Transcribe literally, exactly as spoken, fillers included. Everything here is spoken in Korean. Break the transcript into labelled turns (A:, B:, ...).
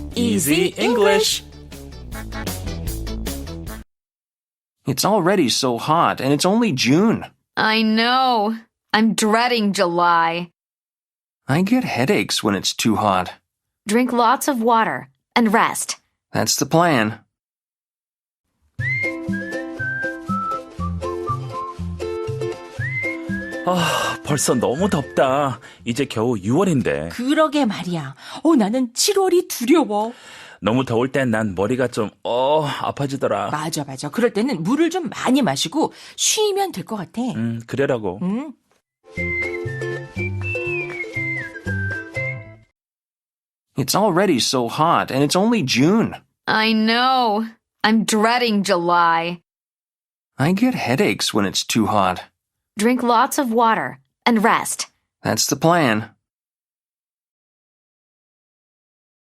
A: Easy English.
B: It's already so hot, and it's only June.
C: I know. I'm dreading July.
B: I get headaches when it's too hot.
C: Drink lots of water and rest.
B: That's the plan.
A: 아, 벌써 너무 덥다. 이제 겨우 유월인데.
D: 그러게 말이야. 어, 나는 칠월이 두려워.
A: 너무 더울 땐 난 머리가 좀, 어, 아파지더라.
D: 맞아, 맞아. 그럴 때는 물을 좀 많이 마시고 쉬면 될 것 같아.
A: 음, 그래라고.
D: 음.
B: It's already so hot, and it's only June.
C: I know. I'm dreading July.
B: I get headaches when it's too hot.
C: Drink lots of water and rest.
B: That's the plan.